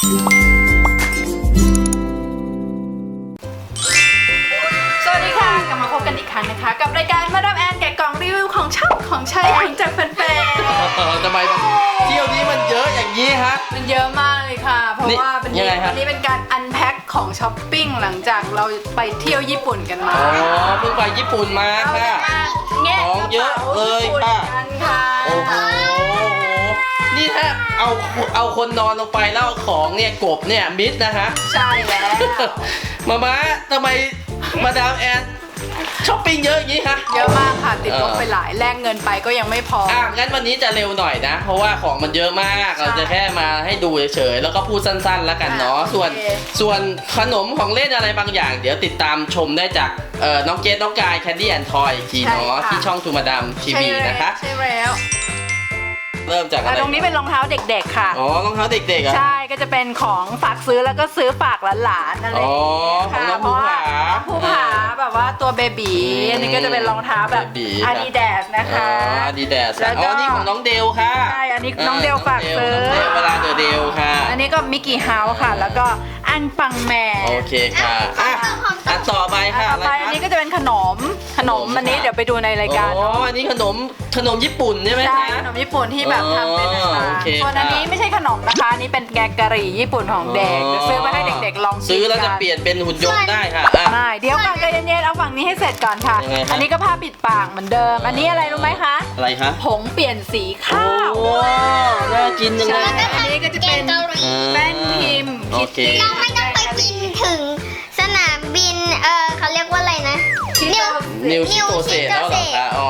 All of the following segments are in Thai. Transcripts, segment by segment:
สวัสดีค่ะกลับมาพบกันอีกครั้งนะคะกับรายการมาดามแอนแกะกล่องรีวิวของชอบของใช้ของจากแฟนๆทำไมเที่ยวนี้มันเยอะอย่างนี้ฮะมันเยอะมากเลยค่ะเพราะว่าวันนี้เป็นการอันแพ็คของช้อปปิ้งหลังจากเราไปเที่ยวญี่ปุ่นกันมาอ๋อเพิ่งไปญี่ปุ่นมาค่ะของเยอะเลยค่ะโอ้โหนี่ถ้าเอาคนนอนลงไปแล้วของเนี่ยกบเนี่ยมิดนะฮะใช่แล้วมาทำไมมาดามแอนช้อปปิ้งเยอะอย่างนี้คะเยอะมากค่ะติดลบไปหลายแลกเงินไปก็ยังไม่พองั้นวันนี้จะเร็วหน่อยนะเพราะว่าของมันเยอะมากเราจะแค่มาให้ดูเฉยๆแล้วก็พูดสั้นๆแล้วกันเนาะส่วนขนมของเล่นอะไรบางอย่างเดี๋ยวติดตามชมได้จากน้องเกดน้องกายแคนดี้แอนด์ทอยอีกทีเนาะที่ช่องทูมาดามทีวีนะคะใช่แล้วเริ่มจากอะไรตรงนี้เป็นรองเท้าเด็กๆค่ะอ๋อรองเท้าเด็กๆอ่ะใช่ก็จะเป็นของฝากซื้อแล้วก็ซื้อฝากหลานๆอะไรของน้องภูผาภูผาแบบว่าตัวเบบีอันนี้ก็จะเป็นรองเท้าแบบ Adidas นะคะ Adidas อ๋อนี่ของน้องเดลค่ะใช่อันนี้น้องเดลฝากซื้อเวลาเดลค่ะอันนี้ก็มิกกี้เฮาส์ค่ะแล้วก็อันปังแมนโอเคค่ะอันต่อไปค่ะต่อไปอันนี้ก็จะเป็นขนมอันนี้เดี๋ยวไปดูในรายการอ๋ออันนี้ขนมญี่ปุ่นใช่ไหมใช่ขนมญี่ปุ่นที่แบบทำเป็นส่วนอันนี้ไม่ใช่ขนมนะคะอันนี้เป็นแกงกะหรี่ญี่ปุ่นของเด็กซื้อมาให้เด็กๆลองซื้อแล้วจะเปลี่ยนเป็นหุ่นยนต์ได้ค่ะไม่เดี๋ยวก่อนใจเย็นๆเอาฝั่งนี้ให้เสร็จก่อนค่ะอันนี้ก็ผ้าปิดปากเหมือนเดิมอันนี้อะไรรู้ไหมคะอะไรคะผงเปลี่ยนสีข้าวน่ากินจังเลยอันนี้ก็จะเป็นแป้นพิมพ์โอเคเราไม่ต้องไปกินถึงสนามบินเขาเรียกว่าอะไรนะนิวชิโตเซแล้วเหรอคะอ๋อ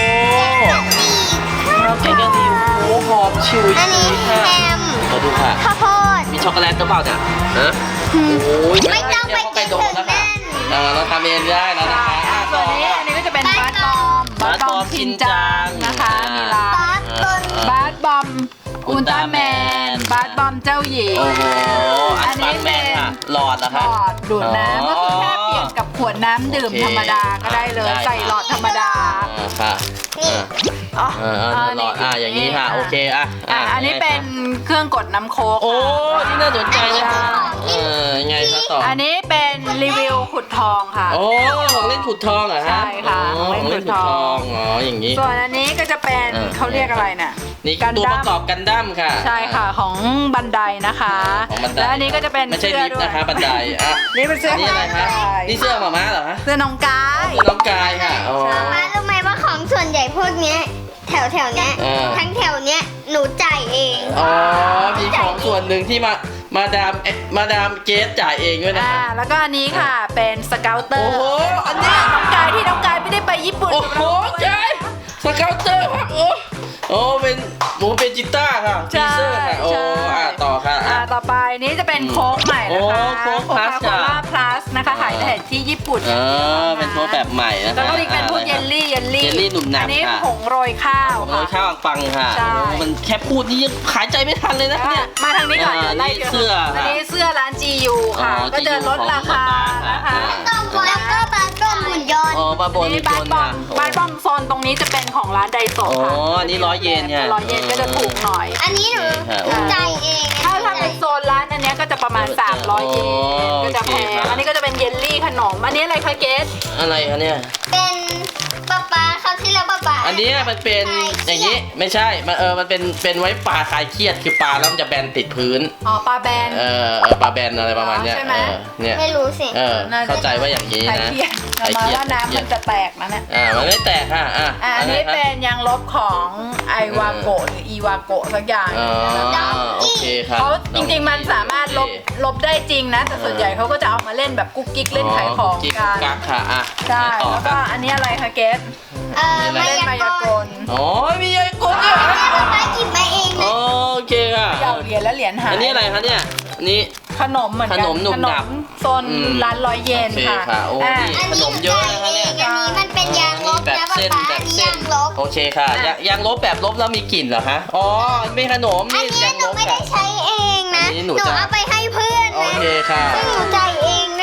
แกงกะหรี่โอ้หอมชิวอันนี้แฮมมาดูค่ะข้าวโพดมีช็อกโกแลตหรือเปล่าเนี่ยโอ้ยไม่ต้องไปกินถึงนั่นเราทำเองได้แล้วนะคะส่วนนี้อันนี้ก็จะเป็นบาสบอมชินจังนะคะมีลายบาสบอมอุลตร้าแมนบาสบอมเจ้าหญิงอันนี้เป็นหลอดนะคะหลอดดูดน้ำก็คือแค่เปลี่ยนกับขวดน้ำดื่มธรรมดาก็ได้เลยใส่หลอดธรรมดาค่ะหลอดอย่างนี้ค่ะโอเคอันนี้เป็นเครื่องกดน้ำโค้กโอ้ที่น่าสนใจนะคะไงคะต่ออันนี้เป็นรีวิวขุดทองค่ะโอ้ของเล่นขุดทองเหรอฮะใช่ค่ะของเล่นขุดทองอย่างนี้ส่วนอันนี้ก็จะเป็นเขาเรียกอะไรน่ะนี่ตัวประกอบกันดั้มค่ะใช่ค่ะของบันไดนะคะและอันนี้ก็จะเป็นไม่ใช่ลิฟต์นะคะบันไดนี่เป็นเสื้ออะไรคะนี่เสื้อหม่าเหรอคะเสื้อน้องกายน้องกายค่ะมารู้ไหมว่าของส่วนใหญ่พวกนี้แถวเนี้ยทั้งแถวเนี้ยหนูจ่ายเองมีของส่วนหนึ่งที่มาดามเกสจ่ายเองด้วยนะแล้วก็อันนี้ค่ะเป็นสเกลเตอร์โอ้โหอันนี้น้องกายไม่ได้ไปญี่ปุ่นโอ้โหใช่สเกลเตอร์ครับโอ้เป็นจิต้าค่ะทีเซอร์ค่ะต่อค่ะต่อไปนี้จะเป็นโค้กใหม่นะคะโค้กพลัสนะคะขายแต่ที่ญี่ปุ่นเป็นโค้กแบบใหม่นะคะแล้วก็มีเป็นพวกเยลลี่หนุ่มหนักอันนี้ผงโรยข้าวปังค่ะมันแค่พูดนี่ยังขายใจไม่ทันเลยนะเนี่ยมาทางนี้ก่อนไล่เสื้ออันนี้เสื้อร้าน GU ค่ะก็จะลดราคานะคะแล้วก็บาสบอมหุ่นยนต์บาสบอมโซนตรงนี้จะเป็นของร้านไดโซะค่ะอันนี้100 เยนไง 100 เยนก็จะถูกหน่อยอันนี้หนูจ่ายเองถ้าเป็นโซนร้านอันนี้ก็จะประมาณ300 เยนก็จะแพงอันนี้ก็จะเป็นเยลลี่ขนมอันนี้อะไรคะเกสอะไรคะเนี่ยเป็นป๊าเขาที่แล้วป๊าอันนี้มันเป็นอย่างนี้ไม่ใช่มันเป็นไว้ปลาคลายเครียดคือปลาแล้วมันจะแบนติดพื้นปลาแบนปลาแบนอะไรประมาณเนี้ยเนี่ยไม่รู้สิเข้าใจว่าอย่างนี้นะคลายเครียดว่าน้ำมันจะแตกนะเนี่ยมันไม่แตกค่ะอันนี้เป็นยางลบของไอวาโกะหรืออีวาโกะสักอย่างโอเคครับเขาจริงๆมันสามารถลบได้จริงนะแต่ส่วนใหญ่เขาก็จะเอามาเล่นแบบกุ๊กกิ๊กเล่นขายของกันค่ะใช่แล้วก็อันนี้อะไรคะเกสมายากลมีมายากลเนี่ยไปหยิบมาเองโอเคค่ะเหรียญแล้วเหรียญหายอันนี้อะไรคะเนี่ยนี่ขนมเหมือนกันขนมโซนร้าน100 เยนค่ะโอ้นี่ขนมเยอะนะคะเนี่ยอันนี้มันเป็นยางลบแบบเส้นโอเคค่ะยางลบแบบลบแล้วมีกลิ่นเหรอคะไม่ขนมนี่ยางลบไม่ได้ใช้เองนะหนูเอาไปให้เพื่อนนะโอเคค่ะซึ่งหนูจ่ายเองด้วยนะ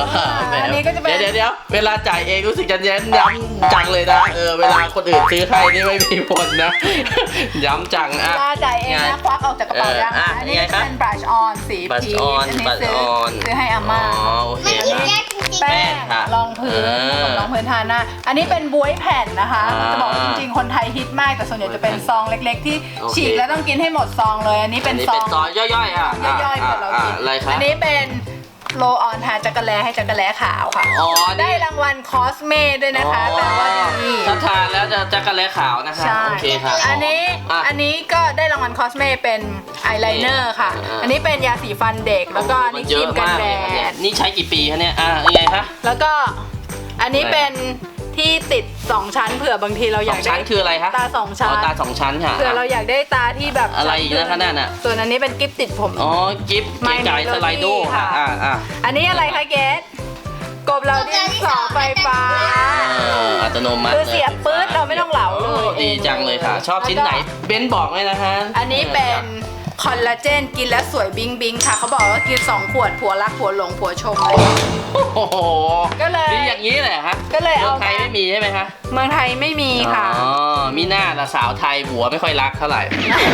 อันนี้ก็จะเป็นเดี๋ยวเวลาจ่ายเองรู้สึกจะย้ำจังเลยนะเวลาคนอื่นซื้อให้นี่ไม่มีผลนะ ย้ำจังอ่ะเวลาจ่ายเองนะควักออกจากกระเป๋ายังอันนี้จะเป็น brush on สี brush พีช on อันนี้ brush ซื้อให้อาม่าโอเคมันกินยากจริงๆแป้งค่ะรองพื้นกับรองพื้นทาหน้าอันนี้เป็นบ๊วยแผ่นนะคะ จะบอกว่าจริงๆคนไทยฮิตมากแต่ส่วนใหญ่จะเป็นซองเล็กๆ ที่ฉีกแล้วต้องกินให้หมดซองเลย อันนี้เป็นซองย่อยๆอ่ะย่อยๆเผื่อเรากินอะไรครับอันนี้เป็นโรลออนทาจักรแลให้จักรแลขาวค่ะอ๋อได้รางวัลคอสเม่ด้วยนะคะแปลว่าดีถ้าทานแล้วจะจักรแลขาวนะคะใช่โอเคค่ะอันนี้ก็ได้รางวัลคอสเม่เป็นอายไลเนอร์ค่ะ อันนี้เป็นยาสีฟันเด็กแล้วก็อันนี้ครีมกันแดดนี่ใช้กี่ปีคะเนี่ยยังไงคะแล้วก็อันนี้เป็นที่ติด2ชั้นเผื่อบางทีเราอยากชั้ได้นคืออะไรคะตา2ชั้นตา2ชั้นค่ะเผื่อเราอยากได้ตาที่แบบอะไรอีกนะคะนั่นน่ะส่วนอันนี้เป็นกิฟต์ติดผมอ๋อกิฟต์เก๋ไก่สไลโดค่ะอันนี้อะไรคะเกสกบเราดินสอไฟฟ้าอัตโนมัติคือเสียบปื๊ดเราไม่ต้องเหลาเลยดีจังเลยค่ะ ชอบชิ้นไหนเบนบอกเลยนะคะอันนี้เป็นคอลลาเจนกินแล้วสวยบิงบิงค่ะเขาบอกว่ากิน2 ขวดผัวรักผัวหลงผัวชมเลยโอ้โหก็เลยดีอย่างนี้แหละฮะก็เลยเอาไทยไม่มีใช่ไหมคะเมืองไทยไม่มีค่ะอ๋อมีหน้าละสาวไทยผัวไม่ค่อยรักเท่าไหร่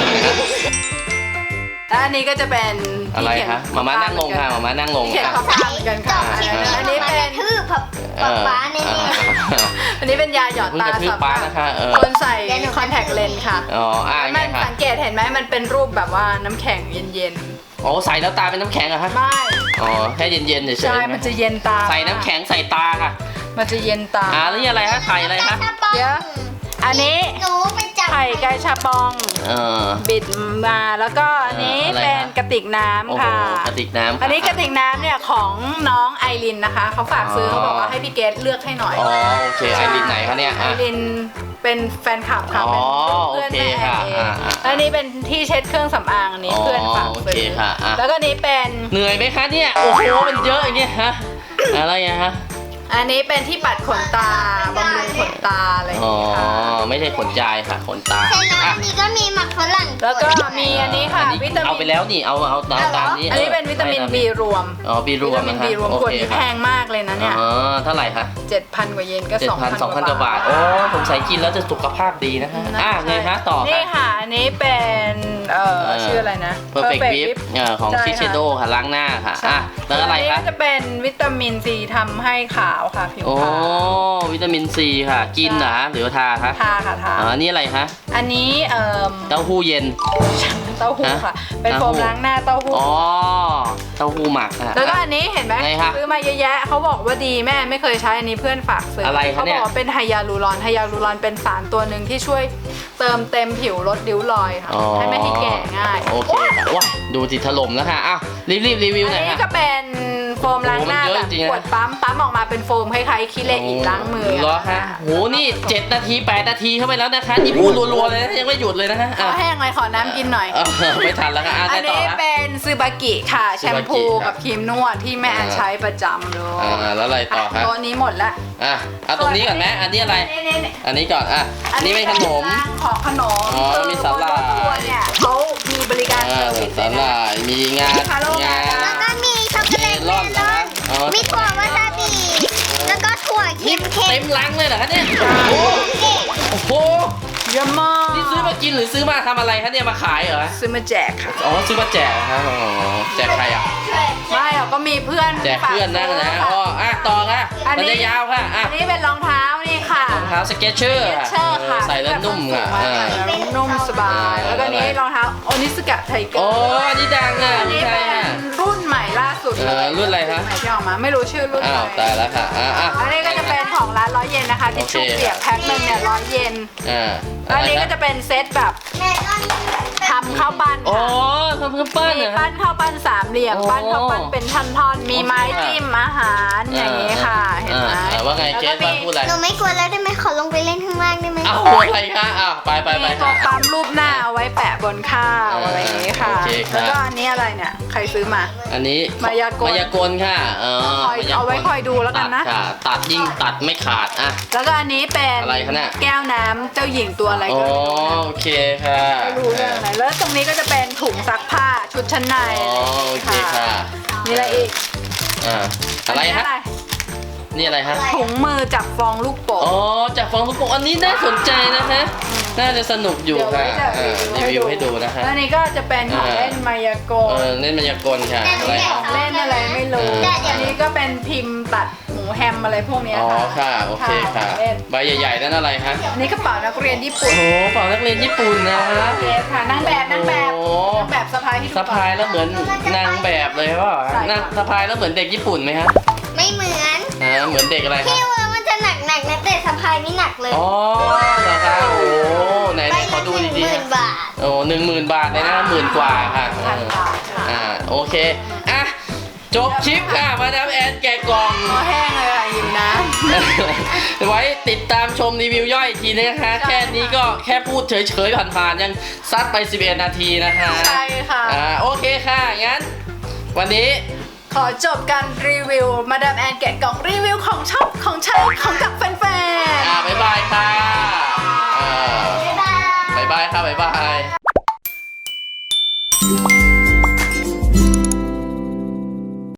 แล้วอันนี้ก็จะเป็นอะไรคะมาม่านั่งลงค่ะมาม่านั่งลงที่เขียนข้อความเหมือนกันค่ะ อันนี้เป็นทื่อป๊าแน่อันนี้เป็นยาหยอดเพิ่งตากระทืบสำหป้ารับนะคะคนใส่คอนแทคเลนส์ค่ะอ๋อไงมันค่ะสังเกตเห็นไหมมันเป็นรูปแบบว่าน้ำแข็งเย็นโอ้ใส่แล้วตาเป็นน้ำแข็งเหรอคะๆไม่อ๋อแค่เย็นๆเฉยๆใช่มันจะเย็นตาใส่น้ำแข็งใส่ตาค่ะมันจะเย็นตาแล้วนี่อะไรคะไข่อะไรคะเดี๋ยวอันนี้หนูไปจับไข่ไก่ชาปองเออบิดมาแล้วก็อันนี้อะไรคะเป็นกระติกน้โอ้ำโหค่ะกระติกน้ำอันนี้กระติกน้ำเนี่ยของน้องไอรินนะคะเขาฝากซื้อเขาบอกว่าให้พี่เกดเลือกให้หน่อยอ๋อโอเคไอรินไหนคะเนี่ยไอรินเป็นแฟนคลับค่ะอ๋อเป็นเพื่อนโอเคแม่ค่ะเองอ่าแล้วอันนี้เป็นที่เช็ดเครื่องสำอางอันนี้อ๋อเพื่อนฝากโอซื้เคค่ะอ่ะแล้วก็อันนี้เป็นเหนื่อยไหมคะเนี่ยโอ้โหมันเยอะอย่างเงี้ยฮะอะไรอะฮะอันนี้เป็นที่ปัดขนตาบำรุงขนตาอะไรอย่างอ๋อนี้ค่ะไม่ใช่ขนจายค่ะขนตาเสร็จแล้วอันนี้ก็มีหมักฝรั่งแล้วก็มีอันนี้ค่ะอันนี้วิตามินเอาไปแล้วนี่เอาตามนี้อันนี้เป็นวิตามิน B รวมอ๋อบีรวมวิตามินนะ B คะรวมโอขวดเคนี้แพค่ะงมากเลยนะเนี่ยอ๋อเท่าไหร่คะ 7,000 กว่าเยนก็ 2,000 กว่าบาทโอ้ผมใส่กินแล้วจะสุขภาพดีนะคะไงคะต่อนี่ค่ะค่ะอันนี้เป็นชื่ออะไรนะ Perfect Whip ของใช่ซิเชโดค่ะล้างหน้าค่ะแล้วอะไรอันนี้คะก็จะเป็นวิตามินซีทำให้ขาวค่ะผิวโอ้ขาววิตามินซีค่ะกินเหรอหรือว่าทาคะทาค่ะทาอันนี้อะไรคะอันนี้เต้าหู้เย็นเต้าหู้ค่ะ เป็นโฟมล้างหน้าเต้าหู้อ๋อเต้าหู้หมักค่ะแล้วก็อันนี้เห็นไหมไงคะซื้อมาเยอะแยะเขาบอกว่าดีแม่ไม่เคยใช้อันนี้เพื่อนฝากซื้ออะไรคะเขาเนี่บอย กว่าเป็นไฮยาลูรอนไฮยาลูรอนเป็นสารตัวหนึ่งที่ช่วยเติมเต็มผิวลดริ้วรอยค่ะอ๋อให้ไม่ให้แก่ง่ายโอเคค่ะว้าดูสิถล่มแล้วค่ะอ้าวรีบรีวิวหน่อัอน ยนี้ค่ะก็เป็นโฟมล้างหน้าโอ้มันเยแบอะบจริงๆนะขวดปั๊มออกมาเป็นโฟมคล้ายๆคิเลอิล้างมือเหรอคะโหนี่7 นาที 8 นาทีเข้าไปแล้วนะคะนี่พูดรัวๆเลยนะยังไม่หยุดเลยนะคะขอแห้งเลยขอน้ำกินหน่อยไม่ทันแล้วค่ะอันต่อนี้นะเป็นซูบากิค่ะแชมพูซูบากิกับครีมนวดที่แม่ใช้ประจำเลยแล้วอะไรต่อคะตัวนี้หมดละเอาตรงนี้ก่อนไหมอันนี้อะไรนี่อันนี้ก่อนนี่เป็นขนมของขนมอ๋อมีสาหร่ายตัวเนี่ยเขามีบริการเซอร์วิสสาหร่ายมีงาแล้วก็มีช็อกโกแลตเมลอนมีถั่ววาซาบิแล้วก็ถั่วเค็มเต็มลังเลยเหรอคะเนี่ยโอ้โหเยอะมากนี่ซื้อมากินหรือซื้อมาทำอะไรคะเนี่ยมาขายเหรอซื้อมาแจกค่ะอ๋อซื้อมาแจกครับอ๋อแจกใครอ่ะไม่หรอกก็มีเพื่อนแจกเพื่อนนั่นนะฝากอ๋ซื้อต่อค่ะมันจะยาวค่ะอันนี้เป็นรองเท้านี่ค่ะรองเท้าสเก็ตเชอร์เชอร์ค่ะใส่แล้วนุ่มอ่ะนุ่มสบาย แล้วก็นี้รองเท้าโอนิสกะไทเกอโอ้ร์อันนี้ดังอ่ะอันนี้ใช่เป็นอ่ะรุ่นใหม่ล่าสุดเลยรุ่นอะไรคะใหม่ที่ออกมาไม่รู้ชื่อรุ่นอ้าวอะไรตายแล้วค่ะอ่ะอันนี้ก็จะเป็นของร้าน100 เยนนะคะทิชชู่โอเคเปียกแพ็คหนึงเนี่ย100 เยน อันนี้ก็จะเป็นเซตแบบเมลอนทำข้าวปั้นโอ้ค่ะทำข้าวปั้นมีเหรอปั้นข้าวปั้นสามเหลี่ยมโอ้ปั้นข้าวปั้นเป็นท่อนๆ มีไม้จิ้มอาหารอย่างนี้ค่ะ เห็นไหมว่าไงเกแล้วสก็ว่ามีพูดอะไรหนูไม่กลัวแล้วได้ไหมขอลงไปเล่นข้างล่างได้ไหมอ้าวอะไรคะอ้าวไปมีตัวปั๊มรูปหน้าเอาไว้แปะบนข้าวอะไรอย่างนี้ค่ะโอเคครับแล้วก็อันนี้อะไรเนี่ยใครซื้อมาอันนี้มายากลค่ะคอยเอาไว้คอยดูแล้วกันนะตัดค่ะตัดยิ่งตัดไม่ขาดอ่ะแล้วก็อันนี้เป็นอะไรคะเนี่ยแก้วน้ำเจ้าหญิงตัวอะไรอ๋อก็ไม่รู้นะโอเคค่ะไม่รู้เรื่องอะไรแล้วตรงนี้ก็จะเป็นถุงซักผ้าชุดชั้นในอ๋อโอเคค่ะมีอะไรอีกอะไรฮะนี่อะไรฮะถุงมือจับฟองลูกโป่งอ๋อจากฟองลูกโป่งอันนี้น่าสนใจนะคะน่าจะสนุกอยู่ค่ะรีวิวให้ดูนะคะแล้วนี่ก็จะเป็นของเล่นมายากลเล่นมายากลค่ะอะไรของเล่นอะไรไม่รู้อันนี้ก็เป็นพิมพ์ตัดหมูแฮมอะไรพวกนี้อ๋อค่ะค่ะโอเคค่ะใบใหญ่ๆนั่นอะไรฮะอันนี้กระเป๋านักเรียนญี่ปุ่นโอ้โหเป่านักเรียนญี่ปุ่นนะฮะเยสค่ะนางแบบนางแบบสะพายที่สะพายแล้วเหมือนนางแบบเลยว่านั่งสะพายแล้วเหมือนเด็กญี่ปุ่นไหมฮะไม่เหมือนเหมือนเด็กอะไรครับพี่ว่ามันจะหนักนะแต่สะพายไม่หนักเลยอ๋อเหรอคะโอ้ไหนใบขอละดูดีๆ 10,000 บาทโอ้10,000 บาทเลยนะ10,000 กว่าค่ะพันบาทค่ะโอเคอ่ะจบคลิปค่ะมาดามแอนแกะกล่องคอแห้งเลยค่ะอยู่นะไว้ติดตามชมรีวิวย่อยอีกทีนะคะ แค่นี้ก็แค่พูดเฉยๆผ่านๆยังซัดไป11 นาทีนะคะใช่ค่ะโอเคค่ะงั้นวันนี้ขอจบการรีวิวมาดามแอนแกะกล่องรีวิวของชอบของใช้ของจากแฟนๆบ๊ายบายค่ะบ๊ายบายบ๊ายบายค่ะบ๊ายบาย